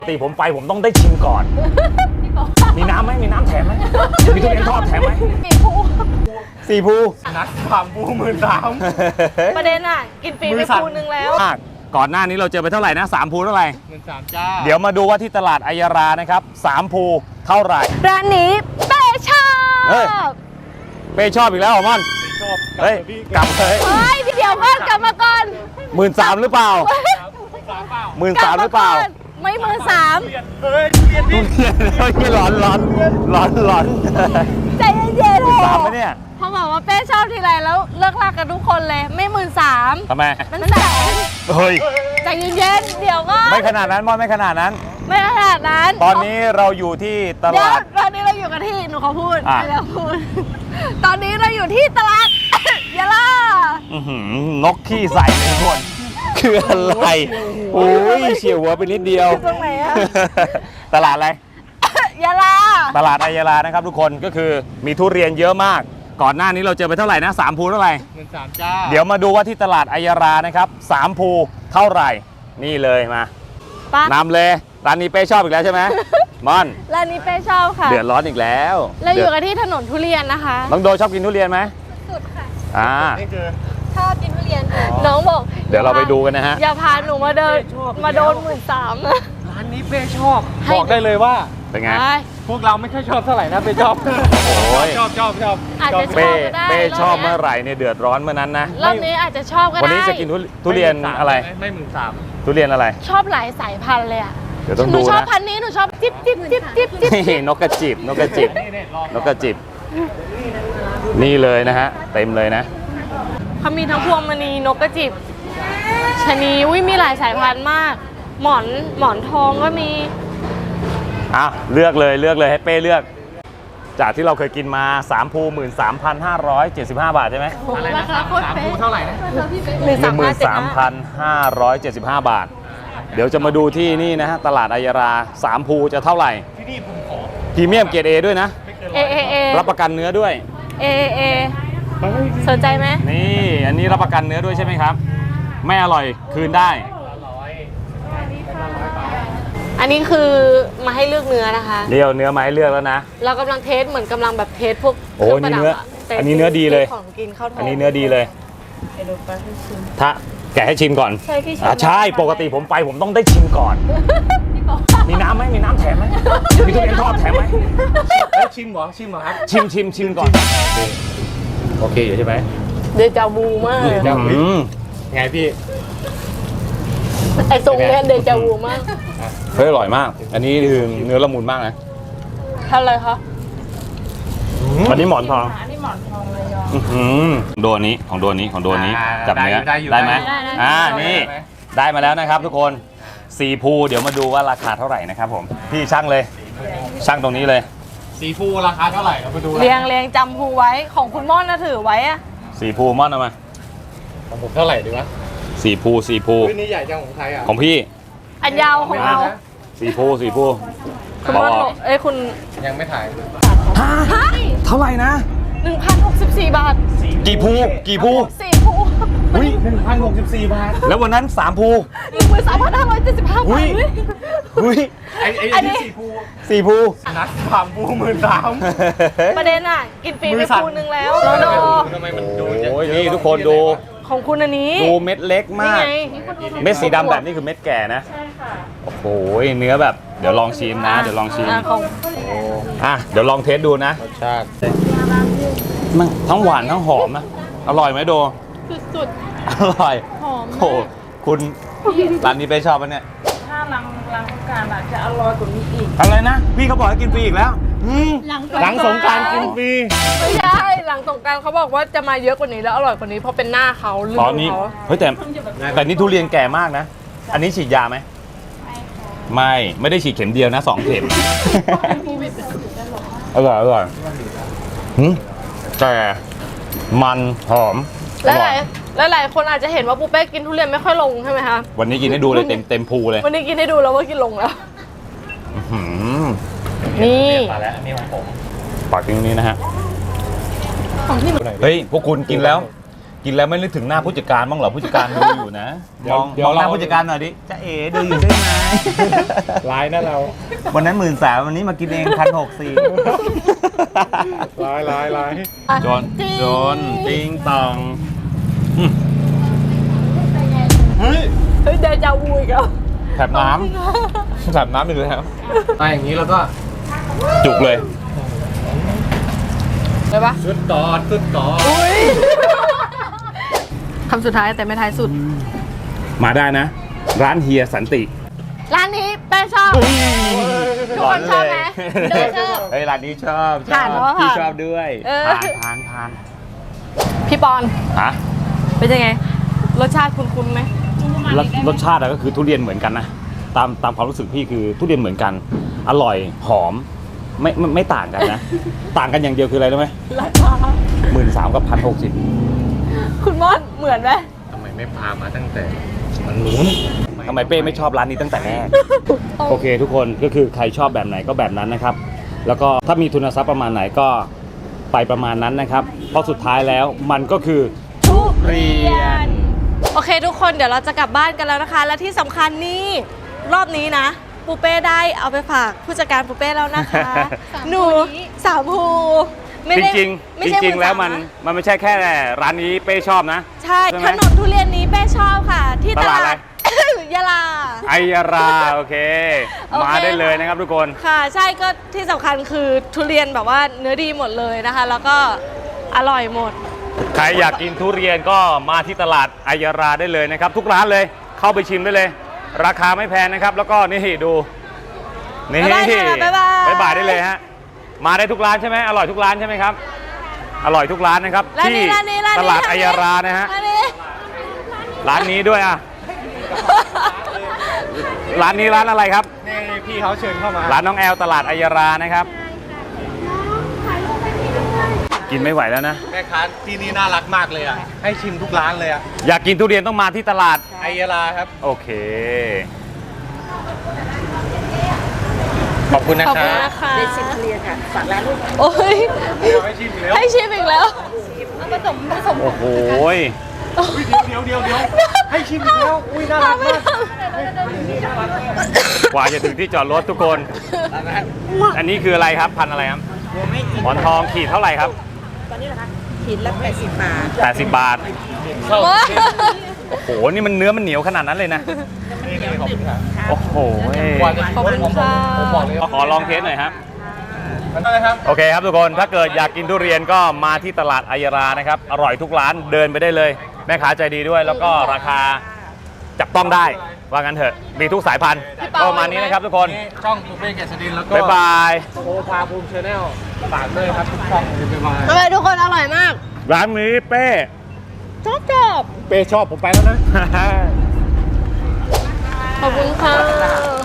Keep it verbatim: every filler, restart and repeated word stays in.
ปกติผมไปผมต้องได้ชิมก่อน มีน้ำไหมมีน้ำแถมไหมมีทุเรียนทอดแถมไหมสี่ภูสี่ภูนัดสามภูหมื่นสามประเด็นอ่ะกินฟรีไปภูนึงแล้วก่อนหน้านี้เราเจอไปเท่าไหร่นะสามภูเท่าไหร่หมื่นสามจ้าเดี๋ยวมาดูว่าที่ตลาดอัยยารานะครับสามภูเท่าไหร่ร้านนี้เป้ชอบเป้ชอบอีกแล้วเหรอม่อนชอบเฮ้ยกลับเลยเฮ้ยพี่เดียวก่อนกลับมาก่อนหมื่นสามหรือเปล่าหมื่นสามหรือเปล่าไม่หมื่นสามเฮ้ยเรียนดิเรียนเรียนร้อนร้อนร้อนร้อนใจเย็นๆหมื่นสามไหมเนี่ยพอบอกว่าเป้ชอบทีไรแล้วเลิกลากกันทุกคนเลยไม่หมื่นสามทำไมมันแสนเฮ้ยใจเย็นๆเดี๋ยวก็ไม่ขนาดนั้นม่อนไม่ขนาดนั้นไม่ขนาดนั้นตอนนี้เราอยู่ที่ตลาดตอนนี้เราอยู่กันที่หนูขอพูดไม่แล้วพูดตอนนี้เราอยู่ที่ตลาดยะลานกขี้ใส่ทุกคนคืออะไรโอ้ยเฉียวหัวไปนิดเดียวตรงไหนอะตลาดอะไรยะลาตลาดอัยยารานะครับทุกคนก็คือมีทุเรียนเยอะมากก่อนหน้านี้เราเจอไปเท่าไหร่นะสามภูเท่าไหร่หมื่นสามจ้าเดี๋ยวมาดูว่าที่ตลาดอัยยารานะครับสามภูเท่าไหร่นี่เลยมานำเลยร้านนี้เป้ชอบอีกแล้วใช่ไหมม่อนร้านนี้เป้ชอบค่ะเดือดร้อนอีกแล้วเราอยู่กันที่ถนนทุเรียนนะคะน้องโดชอบกินทุเรียนไหมสุดค่ะอ่าชอบกินทุเรียนน้องบอกเดี๋ยวเราไปดูกันนะฮะอย่าพาหนูมาเดินมาโดนหมื่นสามร้านนี้เป้ชอบบอกได้เลยว่าเป็นไงพวกเราไม่ค่อยชอบเท่าไหร่นะเป้ชอบโอ้ยชอบชอบชอบอาจจะชอบก็ได้เป้ชอบเมื่อไหร่เนี่ยเดือดร้อนเมื่อนั้นนะรอบนี้อาจจะชอบก็ได้วันนี้จะกินทุเรียนอะไรไม่หมื่นสามทุเรียนอะไรชอบหลายสายพันธุ์เลยอ่ะเดี๋ยวต้องดูนะหนูชอบพันธุ์นี้หนูชอบจิ๊บจิ๊บจิ๊บจิ๊บจิ๊บนกกระจิบนกกระจิบนกกระจิบนี่เลยนะฮะเต็มเลยนะเขามีทั้งพวงมณีนกกระจิบชะนีอุ้ยมีหลายสายพันธุ์มากหมอนหมอนทองก็มีอ่ะเลือกเลยเลือกเลยให้เป้เลือกจากที่เราเคยกินมาสามภูหมื่นสามพันห้าร้อยเจ็ดสิบห้าบาทใช่ไหมอะไรนะสามภูเท่าไหร่นะหนึ่งหมื่นสามพันห้าร้อยเจ็ดสิบห้าบาทเดี๋ยวจะมาดูที่นี่นะฮะตลาดอัยยาราสามภูจะเท่าไหร่ที่นี่ผมขอพรีเมียมเกรด เอ ด้วยนะเอเอเอรับประกันเนื้อด้วยเอเอสนใจไหมนี่อันนี้รับประกันเนื้อด้วยใช่ไหมครับไม่อร่อยคืนได้อันนี้คือมาให้เลือกเนื้อนะคะเดี๋ยวเนื้อมาให้เลือกแล้วนะเรากำลังเทสเหมือนกำลังแบบเทสพวกโอ้นี่เนื้ออันนี้เนื้อดีเลยของกินข้าวทองอันนี้เนื้อดีเลยถ้าแกะให้ชิมก่อนใช่พี่ชิมใช่ปกติผมไปผมต้องได้ชิมก่อนมีน้ำไหมมีน้ำแถมไหมมีทุเรียนทอดแถมไหมชิมเหรอชิมเหรอครับชิมชิมชิมก่อนโอเคอยู่ใช่ไหมเดจาวูมากไงพี่ไอ้ทรงเนี้ยเดจาวูมากเฮ้ยอร่อยมากอันนี้คือเนื้อละมุนมากนะทำอะไรคะอันนี้หมอนทองอันนี้หมอนทองเลยโดนนี้ของโดนนี้ของโดนนี้จับเนื้อได้ไหมอ่านี่ได้มาแล้วนะครับทุกคนสี่ภูเดี๋ยวมาดูว่าราคาเท่าไหร่นะครับผมพี่ช่างเลยช่างตรงนี้เลยสี่ภูราคาเท่าไหร่เราไปดูเรียงเรียงจำภูไว้ของคุณม่อนนะถือไว้อะสี่ภูม่อนเอามาของผมเท่าไหร่ดีวะสี่ภูสี่ภูนี่ใหญ่จังของใครอ่ะของพี่อันยาวของเราสี่ภูสี่ภูคุณม่อนเอ้ยคุณยังไม่ถ่ายฮะเท่าไหร่นะหนึ่งพันหกสิบสี่บาทกี่ภูกี่ภูสี่ภูอุ้ยหนึ่งพันหกสิบสี่บาทแล้ววันนั้นสามภูหนึ่งหมื่นสามพันห้าร้อยเจ็ดสิบห้าบาทอุ้ยอุ้ยไอ้ไอ้นี่สี่ภูสี่ภูนัดสามภูหมื่นสามประเด็นอ่ะกินฟรีไปภูนึงแล้วแล้วโดทำไมมันดูโอ้ยนี่ทุกคนดูของคุณอันนี้ดูเม็ดเล็กมากเม็ดสีดำแบบนี้คือเม็ดแก่นะใช่ค่ะโอ้โหเนื้อแบบเดี๋ยวลองชิมนะเดี๋ยวลองชิมอ่ะเดี๋ยวลองเทสดูนะรสชาติมันทั้งหวานทั้งหอมนะอร่อยไหมโดสุดๆอร่อยหอมโอ้คุณร้านนี้ไปชอบปะเนี่ยถ้าหลังหลังการอาจจะอร่อยกว่านี้อีกอะไรนะพี่เขาบอกให้กินฟรีอีกแล้วหลังสงกรานต์กินฟรีไม่ใช่หลังสงกรานต์เขาบอกว่าจะมาเยอะกว่านี้แล้วอร่อยกว่านี้เพราะเป็นหน้าเขาลืมตอนนี้เฮ้ยแต่แต่นี่ทุเรียนแก่มากนะอันนี้ฉีดยาไหมไม่ไม่ได้ฉีดเข็มเดียวนะสองเข็มอร่อยอร่อยแต่มันหอมและหลายและหลายคนอาจจะเห็นว่าปูเป้กินทุเรียนไม่ค่อยลงใช่ไหมคะวันนี้กินให้ดูเลยเต็มเต็มภูเลยวันนี้กินให้ดูแล้วว่ากินลงแล้วนี่มาแล้วอันนี้ของผมปากกินตรงนี้นะฮะเฮ้ยพวกคุณกินแล้วกินแล้วไม่นึกถึงหน้าผู้จัดการบ้างเหรอผู้จัดการดูอยู่นะมองมองหน้าผู้จัดการหน่อยดิจะเอ๋ดูอยู่ใช่ไหมร้ายนะเราวันนั้นหมื่นสามวันนี้มากินเองพันหกสี่ร้ายร้ายร้ายจนจนติงตองอืมเฮ้ยเฮ้ยเดจาวูอีกแล้วแถบน้ำแถบน้ำอีกแล้วมาอย่างนี้แล้วก็จุกเลยได้ปะสุดต่อสุดต่ออุ้ยคำสุดท้ายแต่ไม่ท้ายสุดมาได้นะ ร้านเฮียสันติร้านนี้แป้งชอบ ทุกคนชอบไหมเดินชอบเฮ้ยร้านนี้ชอบชผ่านอบเพราะว่าพี่ผ่านชอบด้วยเออผ่านผ่านผ่านพี่ปอนฮะเป็นยังไง รสชาติคุ้นๆไหมรสรสชาติอะก็คือทุเรียนเหมือนกันนะตามตามความรู้สึกพี่คือทุเรียนเหมือนกัน อร่อยหอมไม่ไม่ไม่ต่างกันนะ ต่างกันอย่างเดียวคืออะไรรู้ไหมราคาหมื่นสามกับพันหกสิบคุณมอนเหมือนไหมทำไมไม่พามาตั้งแต่มันนู้นทำไมเป้ไม่ชอบร้านนี้ตั้งแต่แรก โอเคทุกคนก็คือใครชอบแบบไหนก็แบบนั้นนะครับ แล้วก็ถ้ามีทุนทรัพย์ประมาณไหนก็ไปประมาณนั้นนะครับ เพราะสุดท้ายแล้วมันก็คือทุเรียน โอเคทุกคนเดี๋ยวเราจะกลับบ้านกันแล้วนะคะ และที่สำคัญนี่รอบนี้นะปูเป้ได้เอาไปฝากผู้จัดการปูเป้แล้วนะคะ หนูสามภูไม่จได้ริงไม่ๆจใช่ริง ๆ แล้วสามันนะมันไม่ใช่แค่ร้านนี้เป้ชอบนะใช่ใช่ไหมถนนทุเรียนนี้เป้ชอบค่ะ ที่ตตลาดลาอะไรด ยะลาไอยาราโอเคโอเคมาได้เลยนะครับทุกคนค่ะ ใช่ก็ที่สำคัญคือทุเรียนแบบว่าเนื้อดีหมดเลยนะคะ แล้วก็อร่อยหมดใครอยากกินทุเรียนก็มาที่ตลาดไอยาราได้เลยนะครับ ทุกร้านเลยเข้าไปชิมได้เลย ราคาไม่แพงนะครับ แล้วก็นี่ดูนี่บ๊ายบายค่ะบ๊ายบายบ๊ายบายได้เลยฮะมาได้ทุกร้านใช่ไหมอร่อยทุกร้านใช่ไหมครับ อร่อยทุกร้านนะครับร้านที่นี้ร้านนี้ร้านนี้ตลาดไอยารานะฮะร้านนี้ร้านนี้ด้วยอ่ะร้านนี้ร้านอะไรครับนี่พี่เขาเชิญเข้ามาร้านน้องแอลตลาดไอยารานะครับ กินไม่ไหวแล้วนะแม่ค้าที่นี่น่ารักมากเลยอ่ะ ให้ชิมทุกร้านเลยอ่ะอยากกินทุเรียนต้องมาที่ตลาดไอยาลาครับโอเคขอบคุณนะขอบคคุณรับนะคะได้ชิมทุเรียนค่ะฝากร้านลูกโอ้ยเดี๋ยวให้ชิมอีกแล้วให้ชิมอีกแล้วผสมผสมโอ้โหยอุ๊ยเดี๋ยวเดี๋ยวเดี๋ยวเดี๋ยวให้ชิมอีกแล้ว อุ้ยน่ารักมากกว่าจะถึงที่จอดรถทุกคน อันนี้คืออะไรครับ พันธุ์อะไรครับหมอนทองขีดเท่าไหร่ครับตอนนี้เหรอคะขีดละแปดสิบบาทแปดสิบบาท โอ้โห นี่มันเนื้อมันเหนียวขนาดนั้นเลยนะนี่นี่ขอบคุณครับโอ้โหยกว่าจะขอบคุณค่ะผมบอกเลยว่าขอลองเทสหน่อยครับมันอะไรครับโอเคครับทุกคน ถ้าเกิดอยากกินทุเรียนก็มาที่ตลาดไอยารานะครับ อร่อยทุกร้านเดินไปได้เลย แม่ค้าใจดีด้วย แล้วก็ราคาจับต้องได้ ว่างั้นเถอะ มีทุกสายพันธุ์พี่เปาก็ประมาณนี้นะครับทุกคนนี่ช่องปูเป้เกษดินแล้วก็บ๊ายบายโอภาภูมิชาแนลฝากด้วยครับทุกช่องบ๊ายบายทำไมทุกคนอร่อยมากร้านนี้เป้ชอบชอบเป้ชอบผมไปแล้วนะขอบคุณค่ะ